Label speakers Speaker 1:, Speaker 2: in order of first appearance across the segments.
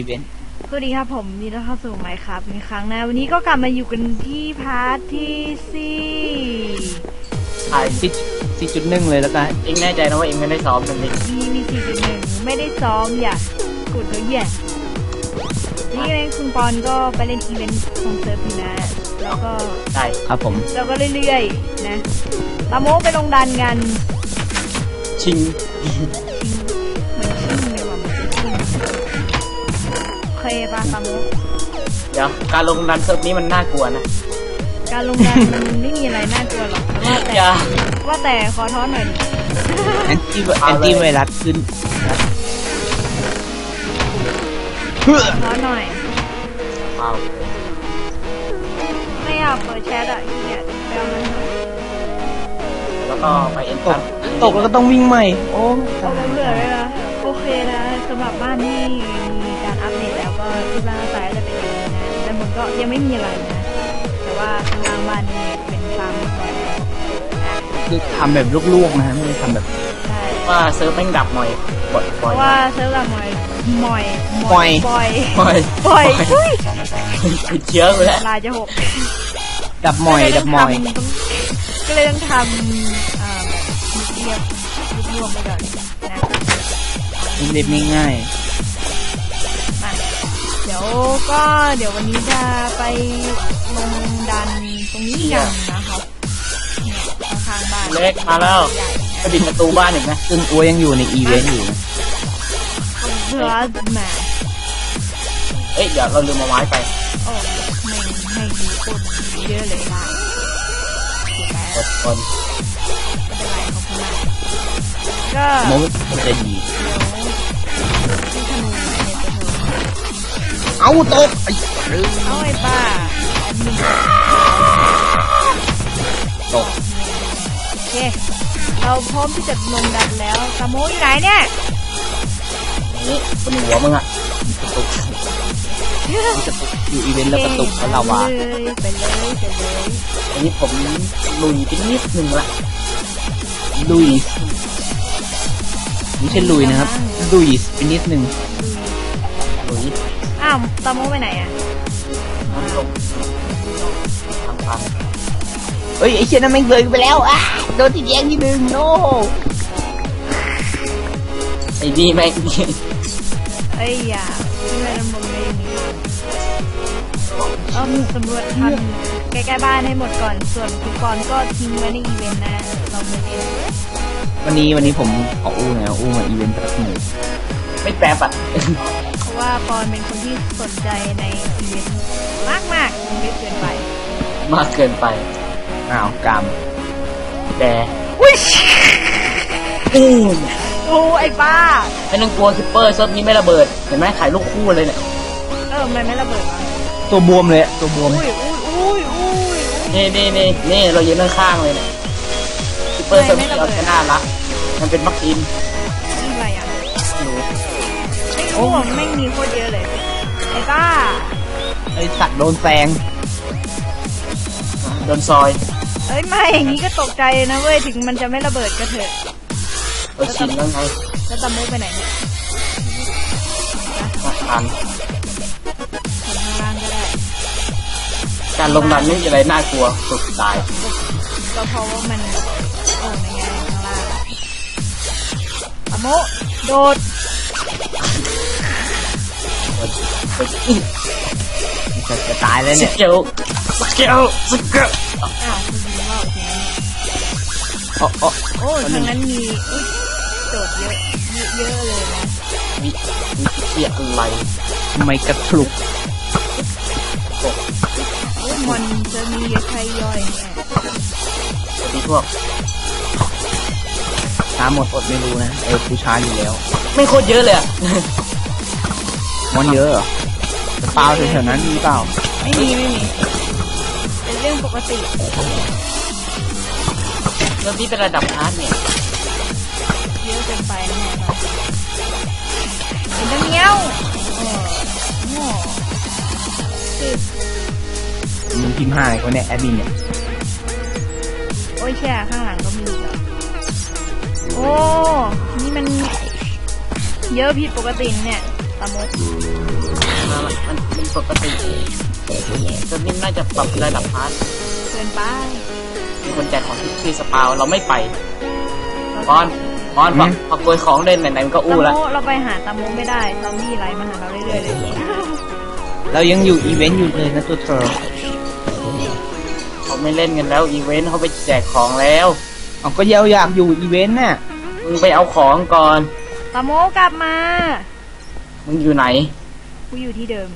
Speaker 1: อีเวนต์
Speaker 2: สวัสดีครับผมนี่เราเข้าสู่ไมค์ครับอีกครั้งนะวันนี้ก็กลับมาอยู่กันที่พาร์ทที่
Speaker 1: 4.1เลยแล้วกัน
Speaker 3: เองแน่ใจนะว่าเองไม่ได้ซ้อมกันนี่
Speaker 2: มี4.1ไม่ได้ซ้อมอย่ากดเขาแย่นี่เองคุณปอนก็ไปเล่นอีเวนต์ของเซิร์ฟนี่นะแล้วก็
Speaker 3: ได้
Speaker 1: ครับผม
Speaker 2: เราก็เรื่อยๆนะตาโมไปลงดันกัน
Speaker 3: ชิง
Speaker 2: เหมือนชิงเลยว่ะมันชิงเคยป่ะตาโม
Speaker 3: เดี๋ยวการลงดันเซิร์ฟนี้มันน่ากลัวนะ
Speaker 2: การลงดันมันไม่มีอะไรน่ากลัวหรอกว่าแต่ขอท้อนหน่อยดิ
Speaker 1: แอนตี้ไวรัสขึ้น
Speaker 2: ท้อนหน่อย
Speaker 3: ว้าว
Speaker 2: ไม่อยากเปิดแชทอ่ะเหี้ยแปลมัน
Speaker 3: แล้วก็ไปเอ็น
Speaker 1: ตกแล้วก็ต้องวิ่งใหม่โอ้
Speaker 2: เบื่อเลยนะโอเคนะสำหรับบ้านที่มีการอัปเดตแล้วก็รูปร่างสายจะเป็นอย่างนี้นะแต่มันก็ยังไม่มีอะไรนะแต่ว่าข้างล่างบ้านนี่เป็นฟาร์มก่อนนะ
Speaker 1: คือทำแบบลวกๆนะฮะไม่ได้ทำแบบ
Speaker 3: ว่าเซิร์ฟแม่งดับหน่อย
Speaker 2: เพราะว่าเซิร์ฟดับหน่อย
Speaker 3: ติดเชื้อไปแล้ว
Speaker 2: ลายจะหก
Speaker 1: ดับหมอย
Speaker 2: ก็เลยต้องทำแบบเรียบรวมไปก่อนนะ
Speaker 1: เรียบง่าย
Speaker 2: มาเดี๋ยววันนี้จะไปลงดันตรงนี้กันนะครับข้างบ้าน
Speaker 3: เล็กมาแล้วไปปิดประตูบ้านอีกนะ
Speaker 1: ซึ่งอัวยังอยู่ในอีเวนต์อยู่นะ
Speaker 2: เพื่อแหม
Speaker 3: เดี๋ยวเราลืมมาไม้ไป
Speaker 2: โอ้ไม่ดีคนเยอะเลยค่ะ
Speaker 3: คน
Speaker 2: ไม่เป็นไรขอบคุณมากก็
Speaker 1: มันจะดี
Speaker 2: ที่ธนูเนี่ยจะถูก
Speaker 1: เอาตก
Speaker 2: เอาไอ้ป้า
Speaker 1: ตก
Speaker 2: โอเคเราพร้อมที่จะลงดันแล้วตาโมอยู่ไหนเนี่ย
Speaker 3: นี่เป็นหัวมึงอะ
Speaker 1: อยู่อีเวนต์แล้วกระตุกแล้วเราวะ
Speaker 2: ไปเลย
Speaker 3: อันนี้ผมลุยไปนิดนึงละ
Speaker 1: ลุยไม่ใช่ลุยนะครับลุยไปนิดนึง
Speaker 3: ลุย
Speaker 2: อ้าวตาโมไปไหนอ่ะ
Speaker 3: น้ำลงทำพัง
Speaker 1: เฮ้ยไอ้เชี่ยนั่นแม่งเลยไปแล้วโดนที่แย่งที่หนึ่งโน่
Speaker 3: ไอ้ดีแม่ง
Speaker 2: อย่าที่ไม่ดำรงเลยนี่สำรวจทำใกล้ๆบ้านให้หมดก่อนส่วนคุณปอนก็ทิ้งไว้ในอีเวนต์นะเราไม่เล่น
Speaker 1: วันนี้ผมขออู้หน่อยอู้มาอีเวนต์แป๊บหนึ่ง
Speaker 3: ไม่แปรปัด
Speaker 2: เพราะว่าปอนเป็นคนที่สนใจในอีเวนต์มากเยอะเกินไป
Speaker 3: มากเกินไป
Speaker 1: กรรม
Speaker 3: แต่
Speaker 2: โอ้ไอ้ป้า
Speaker 3: ไม่ต้องกลัวคิปเปอร์เซิร์ฟนี้ไม่ระเบิดเห็นไหมถ่ายรูปคู่เลยเนี่ย
Speaker 2: มันไม่ระเบิดวะ
Speaker 1: ตัวบวมเลยตัวบวม
Speaker 3: นี่เรายืนข้างๆเลยเนี่ยคิปเปอร์เซิร์ฟเราแค่น่ารักมันเป็นมักอิน
Speaker 2: อะไรอ่ะไม่รู้ไม่มีโคตรเยอะเลยไอ้ป้า
Speaker 1: ไอ้สัตว์โดนแซง
Speaker 3: โดนซอย
Speaker 2: ไม่อย่างนี้ก็ตกใจนะเว้ยถึงมันจะไม่ระเบิดก็เถอะ
Speaker 3: ชินแล้วไง
Speaker 2: แล้วตามุกไปไหนเนี่ย
Speaker 3: ทัน
Speaker 2: ข้างล่างก็ได้
Speaker 3: การลงดันไม่มีอะไรน่ากลัวสุดตาย
Speaker 2: ก็เพราะว่ามันในไงข้างล่างตามุกโดด
Speaker 1: จะตายแล้วเนี่ย
Speaker 3: สเกล
Speaker 2: อ้าวคุณยิงว่าโอ้ทางนั้นมีโดดเยอะเลยนะ
Speaker 3: มีเสียอะไร
Speaker 1: ทำไมกระทุก
Speaker 2: มันจะมีเยอะใครย่อยเนี่ย
Speaker 3: สวัสดีพวก
Speaker 1: ช้าหมดอดไม่รู้นะผู้ช้าอยู่แล้ว
Speaker 3: ไม่โคตรเยอะเลย
Speaker 1: มันเยอะเหรอเปล่าแถวๆนั้นมีเปล่า
Speaker 2: ไม่มีเป็นเรื่องปกติ
Speaker 3: เริ่มที่เป็นระดับฮาร์ดเนี่ย
Speaker 2: เยอะเกินไปนะเห็นแล้วเงี้ยว
Speaker 1: มึงพิมพ์5คนเนี่ยแอดมินเนี่ย
Speaker 2: โอ้ยแช่ข้างหลังก็มีเหรอโอ้นี่มันเยอะผิดปกติเนี่ยตามุก
Speaker 3: มันปกติตอนนี้น่าจะปรับระดับพาร์ท
Speaker 2: เกินไป
Speaker 3: มีคนแจกของที่สปาวเราไม่ไปบอลพอโกยของเล่นไหนๆมันก็อู้แล้ว
Speaker 2: เราไปหาตาโมไม่ได้ซอมบี้ไล่มาหาเราเรื่อยๆเลย
Speaker 1: เรายังอยู่อีเวนต์อยู่เลยนะตัวเธอ
Speaker 3: เขาไม่เล่นกันแล้วอีเวนต์เขาไปแจกของแล้ว
Speaker 1: เอาก็อยากอยู่อีเวนต์น่ะ
Speaker 3: มึงไปเอาของก่อน
Speaker 2: ตาโมกลับมา
Speaker 3: มึงอยู่ไหน
Speaker 2: กูอยู่ที่เดิม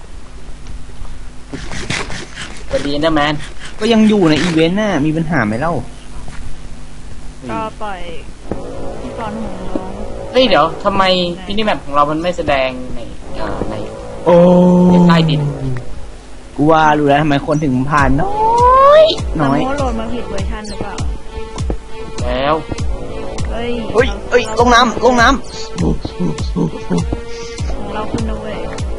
Speaker 3: สวัสดีเอนเดอร์แมน
Speaker 1: ก็ยังอยู่ในอีเวนต์น่ะมีปัญหาไหมเล่า
Speaker 2: ก็ปล่อยพี่กรณ์ของน้อง
Speaker 3: เฮ้ยเดี๋ยวทำไมพินิแมปของเรามันไม่แสดงใน
Speaker 1: โอ้
Speaker 3: ใต้ดิน
Speaker 1: กูว่ารู้แล้วทำไมคนถึงผ่านน้อย
Speaker 2: ตา
Speaker 1: น้อย
Speaker 2: โมโหลดมาผิดเวอร์ชันหรือเปล่า
Speaker 3: แล้ว
Speaker 2: เฮ้ย
Speaker 1: เอ้ยลงน้ำ
Speaker 2: ของเราขึ้นนะเว้ย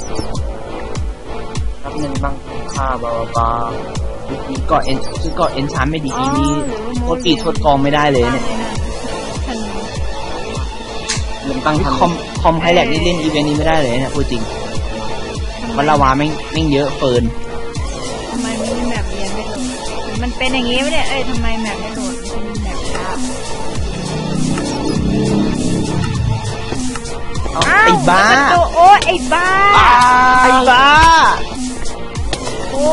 Speaker 3: รับเงินบ้างค่าบาบา
Speaker 1: มีเกาะเอ็นคือเกาะเอ็นชานไม่ดีอีนี้โคตรปีโคตรกองไม่ได้เลยเนี่ย
Speaker 2: ฉัน
Speaker 3: เงินตั้งทัน
Speaker 1: คอมไฮแลกนี่เล่นอีเวนต์นี้ไม่ได้เลยเนี่ยพูดจริงมันละวาแม่งเยอะเฟิน
Speaker 2: ทำไมไม่มีแมปเรียนไม่โหลดมันเป็นอย่างงี้ไม่ได้เอ้ยทำไมแมปไม่โหลดมันเป็นแมปช้า
Speaker 1: ไอ้บ้า
Speaker 2: โอ้ไอ้บ้า
Speaker 1: ไอ้บ้า
Speaker 2: โอ้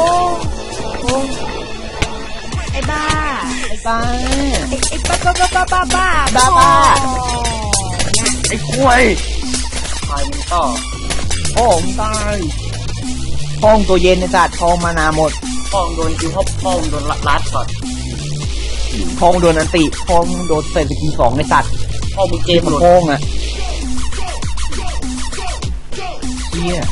Speaker 2: ไอ้บ้า
Speaker 1: ไอ้บ้า
Speaker 2: ไอ้บ้า
Speaker 1: ไอ้ควาย
Speaker 3: ไฟมันก็
Speaker 1: พ่อมึงตายห้องตัวเย็นในจัดทองมานาหมด
Speaker 3: ป้องโดนคิวป้องโดนลัดช็อต
Speaker 1: ทองโดนอันติทองโดนเศษกินสองในสัตว์
Speaker 3: ป้องมึงเกมหลุด
Speaker 1: โค้งอ่ะเชี่ย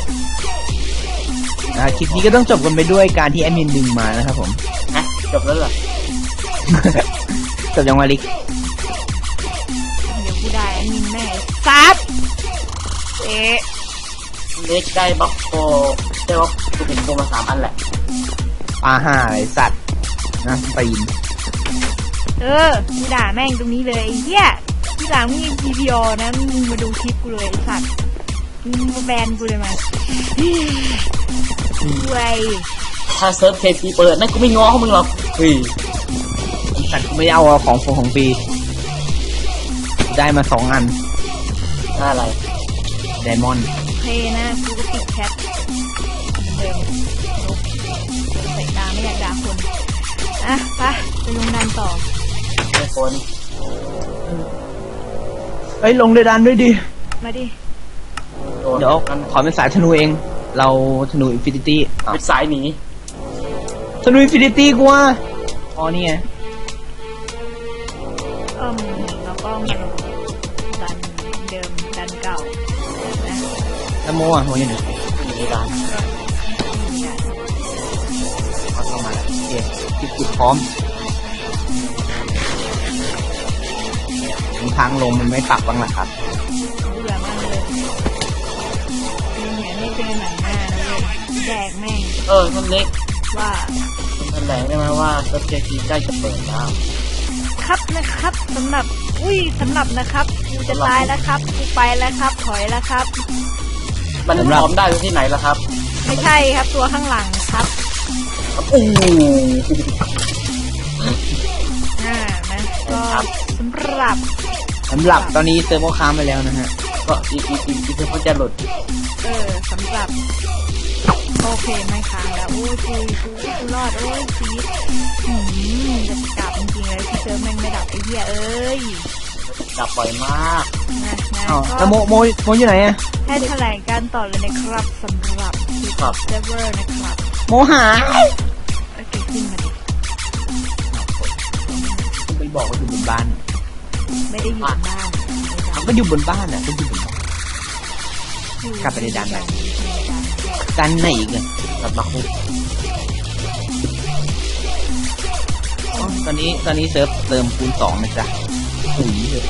Speaker 1: คลิปนี้ก็ต้องจบกันไปด้วยการที่แอดมินดึงมานะครับผม
Speaker 3: นะจบแล้วเหรอ
Speaker 1: จบยังวาลิก
Speaker 2: เดี๋ยวกูได้มินแม่ซับเอ๊ะ
Speaker 3: เล็กได้บล็อกโฟได้บล็อกกูเป็นโกมา3 อันแหละ
Speaker 1: ปลาห่าไอ้สัตว์นะตีน
Speaker 2: กูด่าแม่งตรงนี้เลยไอ้เหี้ยที่หลังมึงมี PPO นะมึงมาดูคลิปกูเลยไอ้สัตว์มึงมาแบนกูเลยมาเว้ย
Speaker 3: ถ้าเซิร์ฟเคพีเปิดนั่นกูไม่ง้อเขามึงหรอกเฮ้ย
Speaker 1: ไอ้สัตว์กูไม่เอาของฟรีได้มา2 อัน
Speaker 3: อะไร
Speaker 1: ไดมอนด์
Speaker 2: โอเคนะกูก็ปิดแชทเดิมลบใส่ตาไม่อยากด่าคนอ่ะไปลงดันต่อ
Speaker 3: ไม่คน
Speaker 1: เอ้ยลงเดดันด้วยดิ
Speaker 2: มาดิ
Speaker 3: โดน
Speaker 1: เดี๋ยว
Speaker 3: มัน
Speaker 1: ขอเป็นสายธนูเอง เราธนูอินฟินิตี้
Speaker 3: เป็นสายหนี
Speaker 1: ธนูอินฟินิตี้กูว่าอ๋อนี่ไง
Speaker 2: เราก็มาลงดันเดิมดันเก่านะ
Speaker 1: แล้วโมอ่ะโมยังไง
Speaker 3: หนีร้าน
Speaker 1: เอาเข้ามาแล้วโอเคจุดพร้อมทางลงมันไม่ปรับบ้างหรอครับ
Speaker 2: เบื่อมากเลยเนี่ยไม่เจอหนังหน้านะเว้ยแดกแม่ง
Speaker 3: ท่านเล็ก
Speaker 2: ว่า
Speaker 3: แถลงได้ไหมว่าเซิร์ฟเคพีใกล้จะเปิดแล้ว
Speaker 2: ครับนะครับสำหรับนะครับกูจะตายแล้วครับกูไปแล้วครับถอยแล้วครับ
Speaker 3: มันพร้อมได้ที่ไหนล่ะครับ
Speaker 2: ไม่ใช่ครับตัวข้างหลังครับ
Speaker 3: อู้
Speaker 2: นะก็สำหรับ
Speaker 1: ตอนนี้เซิร์ฟก็ค้างไปแล้วนะฮะ
Speaker 3: ก็อีเขาจะหลุด
Speaker 2: สำหรับโอเคไม่ค้างแล้วโอ้ยกูรอดโอ้ยชีวิตจะดับจริงๆเลยที่เจอแม่งไม่ดับไอ้เหี้ยเอ้ย
Speaker 3: ดับบ่อยมาก
Speaker 2: นะ
Speaker 1: อ๋อ
Speaker 2: ก็
Speaker 1: แล้วโมอยู่ไหนอะ
Speaker 2: ให้แถลงการต่อเลยนะครับสำหรับเซิร์ฟเวอร์นะครับ
Speaker 1: โมหาย
Speaker 2: โอเคขึ้นมาดิ
Speaker 1: ไปบอกว่าอยู่บนบ้าน
Speaker 2: ไม่ได้อยู่บ้าน
Speaker 1: ก็อยู่บนบ้านอ่ะก็อยู่บนบ้าน กลับไปในดันไหน กันไหนอีกอะ
Speaker 3: ดับมาคุก
Speaker 1: อ๋อตอนนี้เซิร์ฟเติมคูณ2นะจ๊ะปุ๋ยเลย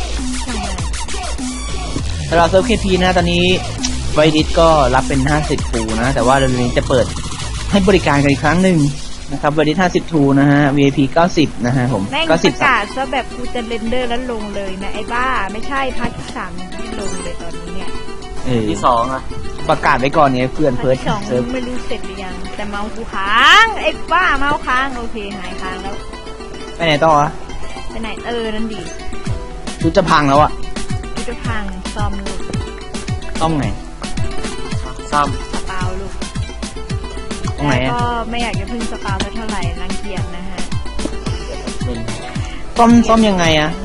Speaker 1: สำหรับเซิร์ฟ KP นะตอนนี้ไวดิสก็รับเป็น50ฟูนะแต่ว่าเดือนนี้จะเปิดให้บริการกันอีกครั้งหนึ่งนะครับไวดิส50ทูนะฮะ VIP 90นะฮะผม
Speaker 2: แม่งประกาศซะแบบกูจะเรนเดอร์แล้วลงเลยนะไอ้บ้าไม่ใช่พาร์ทที่3ที่ลงเลยตอนนี้เนี่ย
Speaker 3: ที่2อ่ะ
Speaker 1: ประกาศไว้ก่อนไงเพื่อน
Speaker 2: ภา
Speaker 1: เพิร์
Speaker 2: ค
Speaker 1: ด
Speaker 2: ที่สอง
Speaker 1: เซิร์ฟ
Speaker 2: ไม่รู้เสร็จหรือยังแต่เมาส์กูค้างไอ้บ้าเมาส์ค้างโอเคหายค้างแล้ว
Speaker 1: ไปไหนต่อวะ
Speaker 2: ไปไหนนั่นดิ
Speaker 1: ชุดจะพังแล้วอะ
Speaker 2: กูจะพังซ่อมลูก
Speaker 1: ต้องไง
Speaker 3: ซ่อม
Speaker 2: สปาลูก
Speaker 1: ตรงไหน
Speaker 2: แล้ว
Speaker 1: อะ
Speaker 2: ก็ไม่อยากจะพึ่งสปาเท่าไหร่รังเกียจนะฮะ
Speaker 3: เป็น
Speaker 1: ซ่อมยังไงอะ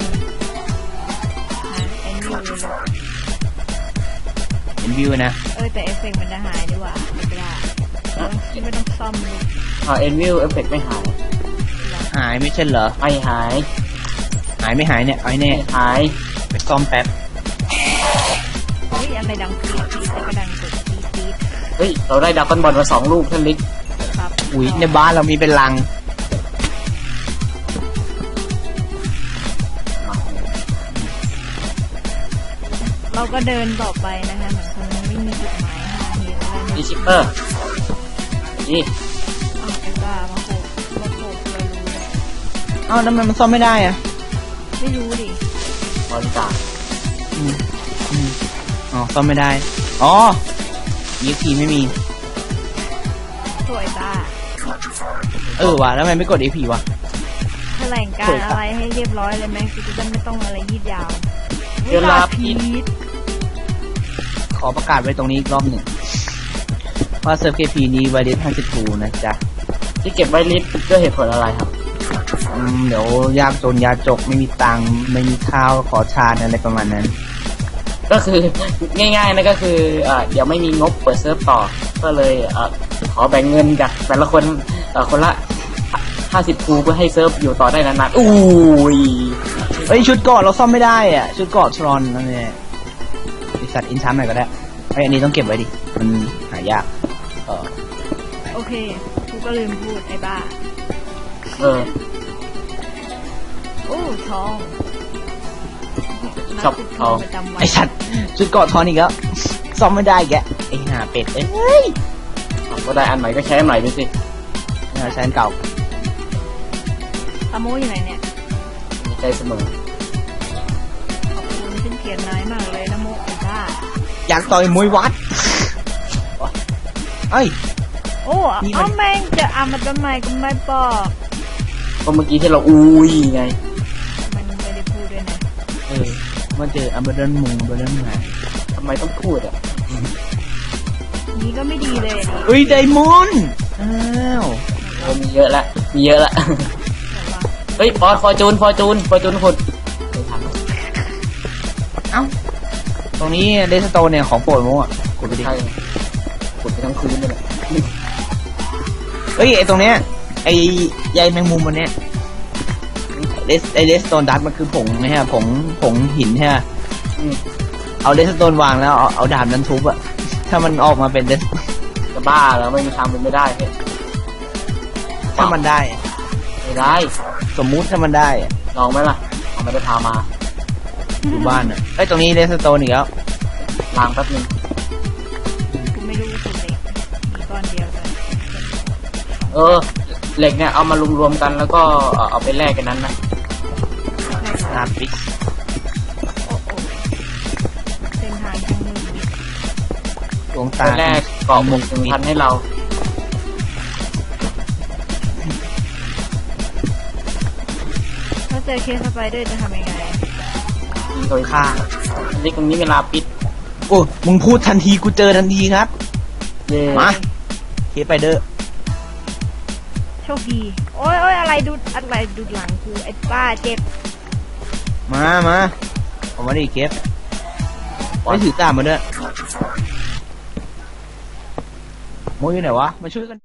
Speaker 2: ไอ้นี่เลยลูก
Speaker 1: เห็นวิวนะ
Speaker 2: แต่เอฟเฟกต์มันจะหายดีกว่าไม่ต้องซ่อมลูก
Speaker 3: เอ็นวิวเอฟเฟกต์ไม่หาย
Speaker 1: หายไม่ใช่เหรอ
Speaker 3: ไม่หาย
Speaker 1: หายไม่หายเนี่ยเอาให้แน่
Speaker 3: ไม่หาย
Speaker 1: ไปซ่อมแป๊บ
Speaker 2: เฮ้ยอะไรดังปี๊ดปี๊ดแต่ก็ดังกดปี๊ดปี๊ด
Speaker 3: เฮ้ยเราได้ดับเบิลบอลมา2 ลูกท่านลิก
Speaker 2: ครับ
Speaker 1: อุ้ยในบ้านเรามีเป็นลัง
Speaker 2: เราก็เดินต่อไปนะคะเหมือนคนไม่มีจุดหมายหาเหตุอะไร
Speaker 3: ดีชิปเปอร์นี่
Speaker 2: อ้าวไอ้บ้ามาโขกเรารู้
Speaker 1: เอ้าแล้วมันซ่อมไม่ได้อะ
Speaker 2: ไม่รู้ดิ
Speaker 3: บริการ
Speaker 1: อืมอ๋อซ่อมไม่ได้อ๋อEXPไม่มี
Speaker 2: สวยบ้า
Speaker 1: ว่ะแล้วทำไมไม่กด EP วะ
Speaker 2: แถลงการอะไรให้เรียบร้อยเลยไหมคือจะไม่ต้องอะไรยืดยาว
Speaker 3: เวลาพี
Speaker 2: พีด
Speaker 1: ขอประกาศไว้ตรงนี้อีกรอบหนึ่งว่าเซิร์ฟ KP นี้ไวเดส52นะจ๊ะ
Speaker 3: ที่เก็บไว้ลิสต์ด้วยเหตุผลอะไรครับ
Speaker 1: เดี๋ยวยากจนยาจกไม่มีตังค์ไม่มีข้าวขอชาญอะไรประมาณนั้น
Speaker 3: ก็คือ ง่ายๆนะก็คือเดี๋ยวไม่มีงบเปิดเซิร์ฟต่อ ก็เลยขอแบ่งเงินจากแต่ละคนคนละ50 คูเพื่อให้เซิร์ฟอยู่ต่อได้นานๆอุ้ย
Speaker 1: เฮ้ยชุดเกาะเราซ่อมไม่ได้อ่ะชุดเกาะทรอนนั่นเนี่ยบริษัทอินชัมหน่อยก็ได้ไอ้ยอันนี้ต้องเก็บไว้ดิมันหายาก
Speaker 2: โอเคกูก็ลืมพูดไอ้บ้า
Speaker 3: เออ
Speaker 2: โอ้ทอง
Speaker 3: ชอบทอง
Speaker 2: ประจำวัน
Speaker 1: ไอสัตว์ชุดเกาะทรอนอีกแล้วซ่อมไม่ได้แกไอห่าเป็ดเอ้ย
Speaker 3: ก็ได้อันใหม่ก็ใช้อันใหม่ไปสิ
Speaker 1: ใช้อันเก่า
Speaker 2: ตะโมอยู่ไหนเนี่ย
Speaker 3: มีใจเสมอ
Speaker 2: ขอบคุณขึ้นเขียนนายมากเลยนะโมไอ้บ้า
Speaker 1: อยากต่อยมวยวัดเอ้ย
Speaker 2: โอ้
Speaker 1: นี่มัน
Speaker 2: เอาแม่งจะเอามาทำไมก็ไม่บอก
Speaker 3: ก็เมื่อกี้ที่เราอุ้ยไง
Speaker 2: มันไม่ได้พูดด้วยนะ
Speaker 1: มาเจออัมเบอร์เดนมุงเบอร์เดนไง
Speaker 3: ทำไมต้องพูดอ่ะ
Speaker 2: นี้ก็ไม่ดีเลยดิ
Speaker 1: เฮ้ยไดมอนด์อ้าว
Speaker 3: มีเยอะละมีเยอะละ
Speaker 2: แต่ว่า
Speaker 3: เฮ้ยฟอร์จูนขุดไม่ทัน
Speaker 1: เอ้าตรงนี้เดสโตนเนี่ยของโปรดโมอ่ะกดไปดิ
Speaker 3: ใช่ขุดไปทั้งคืนเลยแหละ
Speaker 1: เฮ้ยไอตรงเนี้ยไอใยแมงมุมมันเนี้ยไอเดสโตนดัตมันคือผงนะฮะผงหินใช่ไหม
Speaker 3: อืม
Speaker 1: เอาเดสโตนวางแล้วเอาดาบนั้นทุบอะถ้ามันออกมาเป็นเดส
Speaker 3: จะบ้าแล้วไม่มีทางเป็นไม่ได้เฮ้ย
Speaker 1: ถ้ามันได้
Speaker 3: ไม่ได้
Speaker 1: สมมุติถ้ามันได้อะ
Speaker 3: ลองไหมล่ะเอาไม่ได้พามา
Speaker 1: อยู่บ้านอะไอยตรงนี้เดสโตนอีกแล้ว
Speaker 3: ล้างแป๊บนึง
Speaker 2: กูไม่รู้สุดเลยมีก้อนเดียวเลย
Speaker 3: เหล็กเนี่ยเอามารวมๆกันแล้วก็เอาไปแลกกันนั้นนะ
Speaker 1: นาปิก
Speaker 2: โอ้โหเส้นทางทางมือ
Speaker 1: ดวง
Speaker 3: ไป
Speaker 1: ตา
Speaker 3: แลกเกาะหมุก1,000ให้เรา
Speaker 2: ถ้าเจอเคสสไปเดอร์จะทำยังไง
Speaker 3: โดยค่านี่ตรงนี้เวลาปิด
Speaker 1: โอ้มึงพูดทันทีกูเจอทันทีครับ
Speaker 3: เย่
Speaker 1: มาเคไปเดอร์
Speaker 2: โชคดี โอ้ยอะไรดูหลังกูไอ้ป้าเจ็บ
Speaker 1: มาผมมาดิเคฟไม่ถือตามมาด้วยโมอยู่ไหนวะมาช่วยกัน